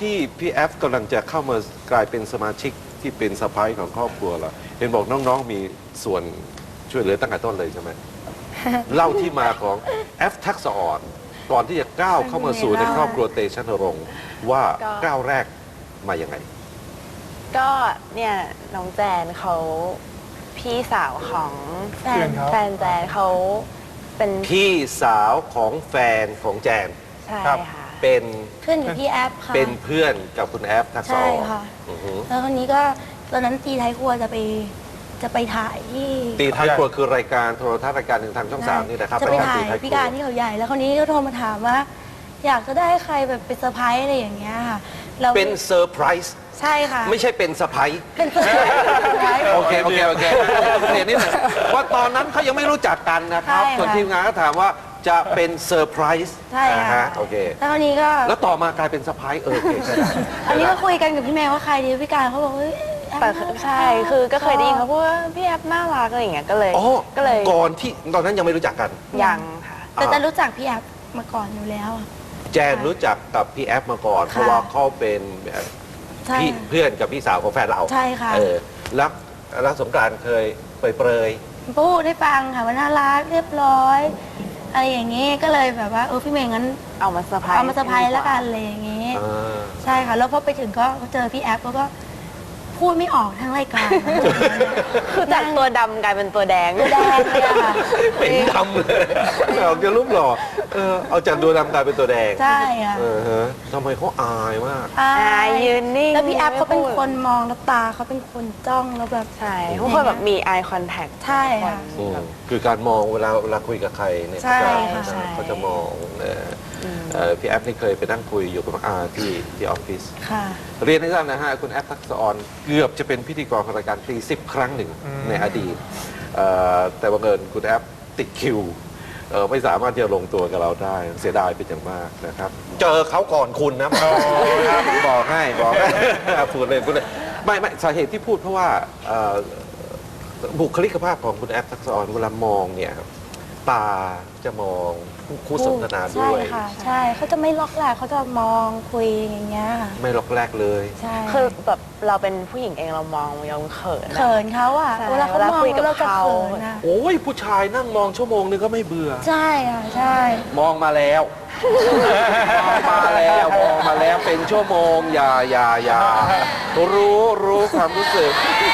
ที่พี่แอฟกำลังจะเข้ามากลายเป็นสมาชิกที่เป็นสะใภ้ของครอบครัวเราเห็นบอกน้องๆมีส่วนช่วยเหลือตั้งแต่ต้นเลยใช่ไหม เล่าที่มาของแอฟทักษะอ่อนก่อนที่จะก้าวเข้ามาสู่ในครอบครัวเตชะนรงค์ว่าก้าวแรกมาอย่างไงก็เนี่ยน้องแจนเขาพี่สาวของแฟนแจนเขาเป็นพี่สาวของแฟนของแจนใช่ค่ะเป็นเพื่อนกับพี่แอฟค่ะเป็นเพื่อนกับคุณแอฟทักษะใช่อ่อนค่ะอือฮึแล้วคนนี้ก็ตอนนั้นตีไทยครัวจะไปถ่ายที่ตีท้ายครัวคือรายการโทรทัศน์รายการหนึ่งทางช่อง 3นี่นะครับจะไปรายถ่ายตีท้ายคพิรัการวที่เขาใหญ่ แล้วคนนี้ก็โทรมาถามว่า อยากจะได้ใครแบบเป็นเซอร์ไพรส์อะไรอย่างเงี้ยค่ะเราเป็นเซอร์ไพรส์ใช่ค่ะไม่ใช่เป็นสะพ้ายเป็นเซอร์ไพรส์โอเคโอเคนิดหนึ่งว่าตอนนั้นเขายังไม่รู้จักกันนะครับใช่ค่ะส่วนทีมงานก็ถามว่าจะเป็นเซอร์ไพรส์ใช่ค่ะโอเคแล้วคนนี้ก็แล้วต่อมากลายเป็นสะพ้ายโอเคใช่ได้อันนี้ก็คุยกันกับพี่แมวว่าใครดีพิการเขาบอกเฮ้ยแอฟแต่น่ารักใช่คือก็เคยได้ยินเขาพูดว่าพี่แอฟน่ารักอะไรอย่างเงี้ยก็เลยอ๋อก็เลยก่อนที่ตอนนั้นยังไม่รู้จักกันยังค่ะแต่จะรู้จักพี่แอฟมาก่อนอยู่แล้วอะแจนรู้จักกับพี่แอฟมาก่อนค่ะเพราะว่าเขาเป็นใช่พี่เพื่อนกับพี่สาวของแฟนเราใช่ค่ะแล้วสงกรานต์เคยเปรยพูดให้ฟังค่ะว่าน่ารักเรียบร้อยอะไรอย่างงี้ก็เลยแบบว่าพี่เมย์งั้นเอามาเซอร์ไพรส์เอามาเซอร์ไพรส์แล้วกันอะไรอย่างงี้ๆอ่าใช่ค่ะแล้วพอไปถึงก็เจอพี่แอฟแล้วก็พูดไม่ออกทั้งรายการคือจากตัวดำกลายเป็นตัวแดงตัวแดงเลยอะค่ะเป็นดำเลยออกจะรูปหล่อเอาจากตัวดำกลายเป็นตัวแดงใช่ค่ะฮะทำไมเขาอายมากอ่อายยืนนิ่งแล้วพี่แอฟเขาเป็นไม่พูดคนมองแล้วตาเขาเป็นคนจ้องแล้วแบบใช่ทุกคนแบบมี eye contact ใช่ค่ะคือการมองเวลาคุยกับใครเนี่ยใช่เขาค่ะจะเขาจะมองพี่แอฟนี่เคยไปนั่งคุยอยู่กับน้องอาที่ออฟฟิศค่ะเรียนให้ทราบนะฮะคุณแอฟทักษะออนเกือบจะเป็นพิธีกรของรายการตี10 ครั้งหนึ่งในอดีตแต่บังเอิญคุณแอฟติดคิวไม่สามารถที่จะลงตัวกับเราได้เสียดายเป็นอย่างมากนะครับ เจอเขาก่อนคุณนะบอกให้พูดเลยไม่สาเหตุที่พูดเพราะว่าบุคลิกภาพของคุณแอฟทักษะออนเวลามองเนี่ยครับตาจะมองคู่สนทนาด้วยใช่ค่ะใช่เขาจะไม่ล็อกแหละเขาจะมองคุยอย่างเงี้ยค่ะไม่ล็อกแรกเลยใช่คือแบบเราเป็นผู้หญิงเองเรามองยังเขินอะเขินเขาอ่ะใช่เวลาเขามองเวลาคุยกับเราจะเขาเขินอ่ะโอ้ยผู้ชายนั่งมองชั่วโมงนึงก็ไม่เบื่อใช่ค่ะใช่มองมาแล้ว มองมาแล้วเป็นชั่วโมงอย่ารู้ความรู้สึก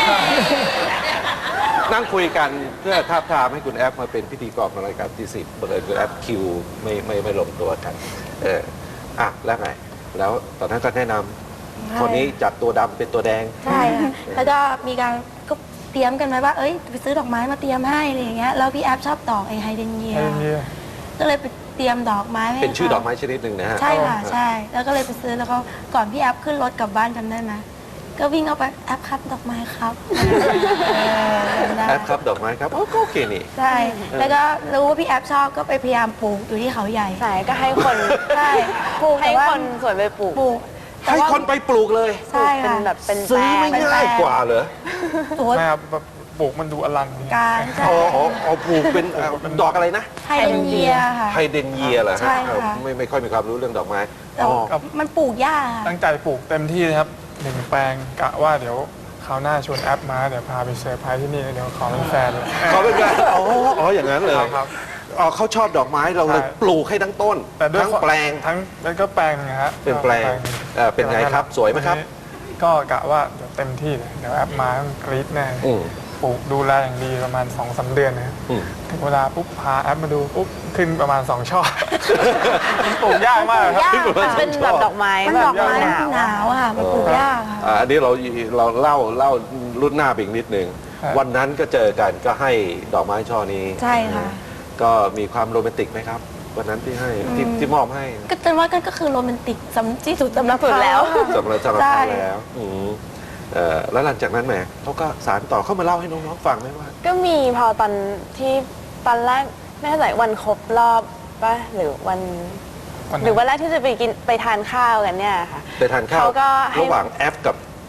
นั่งคุยกันเพื่อท้าบทามให้คุณแอฟมาเป็นพิธีกรของรายการที่10บังเอิญคุณแอฟคิวไม่ลงตัวกันแล้วไงแล้วตอนนั้นก็แนะนำคนนี้จากตัวดำเป็นตัวแดงใช่ค่ะแล้วก็มีการก็เตรียมกันไว้ว่าเอ้ยไปซื้อดอกไม้มาเตรียมให้อะไรอย่างเงี้ยแล้วพี่แอฟชอบดอกไอ้ไฮเดรนเยียก็เลยไปเตรียมดอกไม้ให้เป็นชื่อขาดอกไม้ชนิดหนึ่งนะฮะใช่ค่ะใช่แล้วก็เลยไปซื้อแล้วก็ก่อนพี่แอฟขึ้นรถกลับบ้านจำได้ไหมก็วิ่งเอาไปแอฟครับดอกไม้ครับจำได้แอฟครับดอกไม้ครับก็โอเคนี่ใช่แล้วก็รู้ว่าพี่แอฟชอบก็ไปพยายามปลูกอยู่ที่เขาใหญ่ใช่ก็ให้คนใช่ปลูกให้แต่ว่าคนสวยไปปลูกปลูกแต่ให้ว่าคนไปปลูกเลยใช่เป็ค่ะนแบบเป็นซื้อไม่แปลง่ายกว่าเหรอโอ้ยไม่ครับแบบปลูกมันดูอลังอย่างเงี้ยการใช่อ๋อปลูกเป็นดอกอะไรนะไฮเดรนเยียค่ะไฮเดรนเยียเหรอใช่ฮะค่ะไม่ค่อยมีความรู้เรื่องดอกไม้แต่มันปลูกยากค่ะตั้งใจปลูกเต็มที่นะครับ1 แปลงกะว่าเดี๋ยวคราวหน้าชวนแอปมาเดี๋ยวพาไปเซอร์ไพรส์ที่นี่เดี๋ยวขอเป็นแฟนเลยเขาเป็นไงอย่างนั้นเลยครับเขาชอบดอกไม้เราเลยใช่ปลูกให้ทั้งต้นแต่ด้วยทั้งแปลงทั้งแล้วก็แปลงนะฮะเป็นแปลงเป็นไงครับสวยไหมครับก็กะว่าเดี๋ยวเต็มที่เลยเดี๋ยวแอปมาต้องกรี๊ดแน่อืมปลูกดูแลอย่างดีประมาณ 2-3 เดือนนะครับอืมถึงเวลาปุ๊บพาแอปมาดูปุ๊บขึ้นประมาณ2 ช่อ มันปลูกยากมากครับยากมันเป็นแบบดอกไม้มันแบดบอกไม้หนาวหนาวอะค่ะมันปลูกยากค่ะอันนี้เราเล่ารุ่นหน้าไปอีกนิดนึงครับวันนั้นก็เจอกันก็ให้ดอกไม้ช่อนี้ใช่ค่ะก็มีความโรแมนติกไหมครับ วันนั้นที่ให้ที่มอบให้ก็จนว่าก็คือโรแมนติกที่สุดสำหรับสุดแล้วเขาอะสำหรับใช่เขาแล้วแล้วหลังจากนั้นแหมเขาก็สารต่อเข้ามาเล่าให้น้องๆฟังไหมว่าก็มีพอตอนที่ตอนแรกไม่แน่ใจวันครบรอบป่ะหรือวันวันไหนหรือวันแรกที่จะไปทานข้าวกันเนี่ยค่ะไปทานข้าวเขาก็ให้ระหว่างแอฟกับ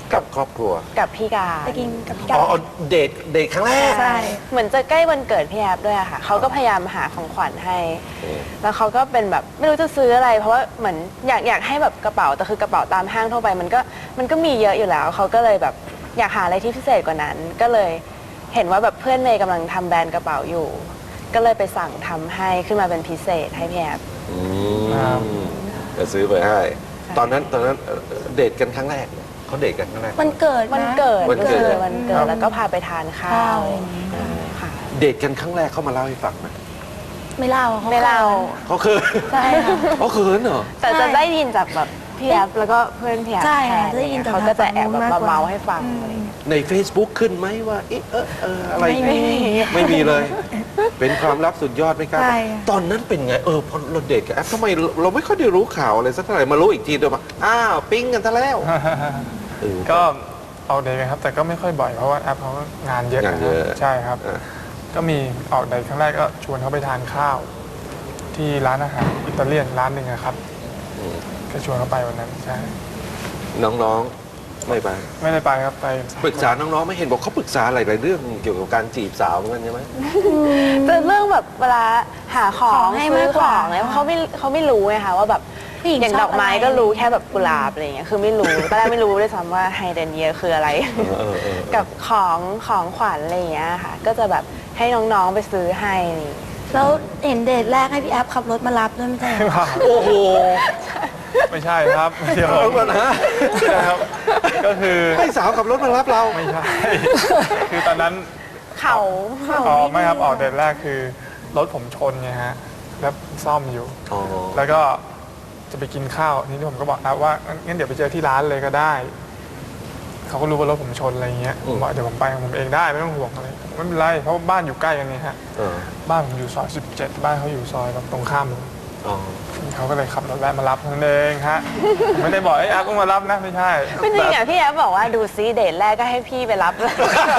กับครอบครัวกับพี่กาไปกินกับพี่อ๋กาอเดทครั้งแรกใช่เหมือนจะใกล้วันเกิดพี่แอฟด้วยอะค่ะเขาก็พยายามหาของขวัญให้ แล้วเขาก็เป็นแบบไม่รู้จะซื้ออะไร เพราะว่าเหมือนอยากให้แบบกระเป๋าแต่คือกระเป๋าตามห้างทั่วไปมันก็มีเยอะอยู่แล้วเขาก็เลยแบบอยากหาอะไรที่พิเศษกว่านั้น ก็เลยเห็นว่าแบบเพื่อนเมย์กำลังทำแบรนด์กระเป๋าอยู่ ก็เลยไปสั่งทำให้ขึ้นมาเป็นพิเศษให้พี่แอฟครับจะซื้อไปให้ ตอนนั้นเดทกันครั้งแรกเนี่ยเขาเดทกันครั้งแรกมันเกิดนะวันเกิดวันเกิดก็คือวันเกิดแล้วก็พาไปทานข้าวค่ะเดทกันครั้งแรกเขามาเล่าให้ฟังไหมไม่เล่าเขาไม่เล่าเขาคือใช่ค่ะเขาเขินเหรอแต่จะได้ยินจากแบบพี่แอฟแล้วก็เพื่อนพี่แอฟใช่แทค่ะนจะได้ยินจากเขาก็จะแอบแบบทางฝั่งนู้นมากกว่าเมาๆให้ฟังอะไรอย่างเงี้ยใน Facebook ขึ้นไหมว่าเอ๊ะอะไรไม่มีไม่มีเลย เป็นความลับสุดยอดไม่กล้าใช่ค่ะตอนนั้นเป็นไงพอเราเดทกับแอปทำไมเราไม่ค่อยได้รู้ข่าวอะไรสักเท่าไหร่มารู้อีกทีเดียวมาอ้าวปิ๊งกันซะแล้วเออก็ออกเดทกันครับ แต่ก็ไม่ค่อยบ่อยเพราะว่าแอปเขาก็งานเยอะงานเยอะใช่ครับอ่ะก็มีออกเดทครั้งแรกก็ชวนเขาไปทานข้าว ที่ร้านอาหารอิตาเลียนร้านหนึ่งอะครับอืมก็ชวนเขาไปวันนั้นใช่น้องๆไม่ไปไม่ได้ไปครับไปปรึกษาน้องๆไม่เห็นบอกเขาปรึกษาอะไรหลายเรื่องเกี่ยวกับการจีบสาวเหมือนกันใช่ไหมแต่เรื่องแบบเวลาหาของของให้ซื้มาอกกว่าของเนี่ยเขาไม่รู้ไงคะว่าแบบผู้หญิงอย่างชดออบ กไม้อะไรก็รู้แค่แบบกุหลาบอะไรเงี้ยคือไม่รู้ตอนแรกไม่รู้ด้วยซ้ำว่าไฮเดรนเยียคืออะไร กับของขวัญอะไรอย่างเงี้ยค่ะ ก็จะแบบให้น้องๆไปซื้อให้อะไรอย่างเงี้ยแล้วเห็นเดทแรกให้พี่แอฟขับรถมารับด้วยไม่ใช่เหรอโอ้โหไม่ใช่ครับเดี๋ยวเอาก่อนนะไม่ใช่ครับ ก็คือให้สาวขับรถมารับเราไม่ใช่ คือตอนนั้นเขาไม่ครับออกเดทแรกคือรถผมชนไงฮะแล้วซ่อมอยู่อ๋อแล้วก็จะไปกินข้าวทีนี้ผมก็บอกว่างั้นเดี๋ยวไปเจอที่ร้านเลยก็ได้ เขาก็รู้ว่ารถผมชนอะไรเงี้ยผมบอกเดี๋ยวผมไปของผมเองได้ไม่ต้องห่วงอะไรไม่เป็นไรเพราะว่าบ้านอยู่ใกล้กันนี่ฮะเออบ้านผมอยู่ซอย17บ้านเขาอยู่ซอยแบบตรงข้ามเลยอ๋อเขาก็เลยขับรถแวะมารับนั่นเองฮะผมไม่ได้บอกไอ้อาก็มารับนะไม่ใช่ไม่จริงอ่ะพี่แอฟบอกว่าดูซิเดทแรกก็ให้พี่ไปรับเลย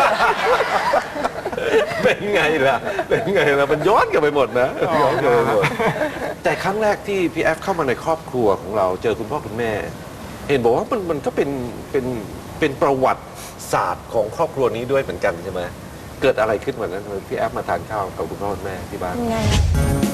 เป็นไงล่ะ เป็นไงล่ะ มันย้อนกลับไปหมดนะย้อนกลับไปหมด แต่ครั้งแรกที่พี่แอฟเข้ามาในครอบครัวของเราเจอคุณพ่อคุณแม่ เห็นบอกว่ามันก็เป็นประวัติศาสตร์ของครอบครัวนี้ด้วยเหมือนกันใช่ไหมเกิดอะไรขึ้นวันนั้นทำไมพี่แอฟมาทานข้าวกับคุณพ่อคุณแม่ที่บ้านยังไงอะ